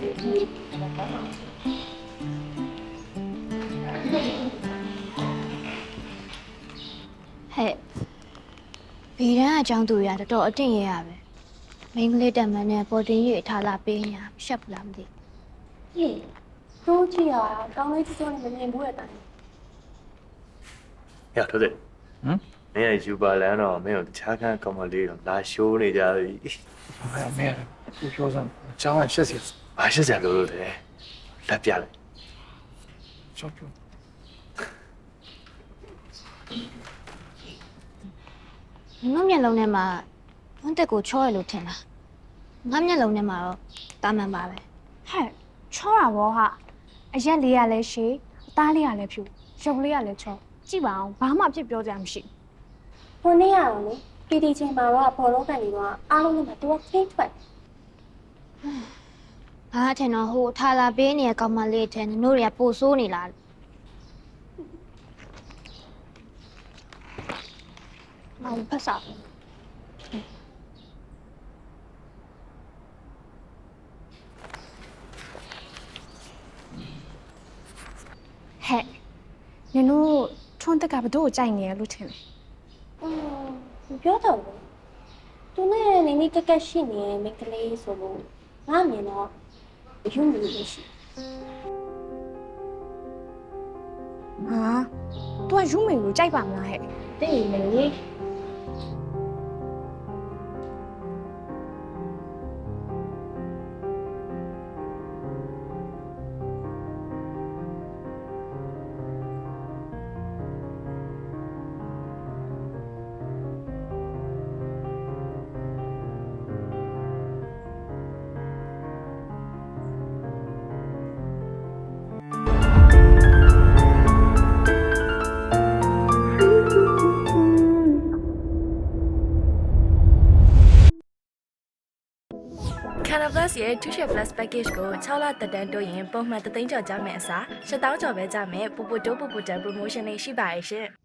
ဘေးရန်အကြောင်းသူရတော်အတင်ရရပဲမိန်းကလေးတက်မန်းနဲ့ပေါ်တင်ရထားလာပေးညာရှက်ဘူးလားမသိဟေးတို့ကြည့်ရကောင်းလေးချောနဲ့မမြင်ဘူးရဲ့တိုင်။ရထိုးတယ်။မင်းကယူပါလန်တော့မင်းကိုတခြားခန်းကောင်မလေးတော့လာရှိုးနေကြပြီ没有，不说上，讲完谢谢。 ။ဘာရှက်ကြလို့လဲ။လက်ပြလိုက်小猪， ငါမျက်လုံးထဲမှာဝန်းတက်ကိုချောရလို့ထင်တာငါမျက်လုံးထဲမှာတော့တာမန်ပါပဲဟဲ့ချောတာဘောဟာအရက်လေးရလဲရှည်အသားလေးရလဲဖြူရုပ်လေးရလဲချောကြည့်ပါအောင်ဘာမှအဖြစ်ပြောကြမှမရှိဟိုနေ့ရအောင်လေပီတီချင်းမှာတော့ဘောလုံးကန်နေတော့အားလုံးနဲ့တူခင်းထွက်ငါထင်တော့ဟိုထားလာပေးနေတဲ့ကောင်မလေးထဲနင်တို့တွေကပို့ဆိုးနေလားမောင်ဖတ်စာဟဲ့နင်တို့ထွန်းတက်ကဘတို့ကိုကြိုက်နေရလို့ထင်တယ်ပြောတော့သူနဲ့နေနေကက်ကက်ရှိနေမိကလေးဆိုလို့ငါမြင်တော့ယူနေလို့ရှိဟာသူကယူမေကိုကြိုက်ပါမလားဟဲ့တိတ်နေလေ Canal Plus ရဲ့ Tuition Plus Package ကို6လတက်တန်းတိုးရင်ပုံမှန်3သိန်းကျော်ကြမယ်အစား7,000ကျော်ပဲကြမယ်ပူပူတိုးပူပူတန် promotion လေးရှိပါရဲ့ရှင်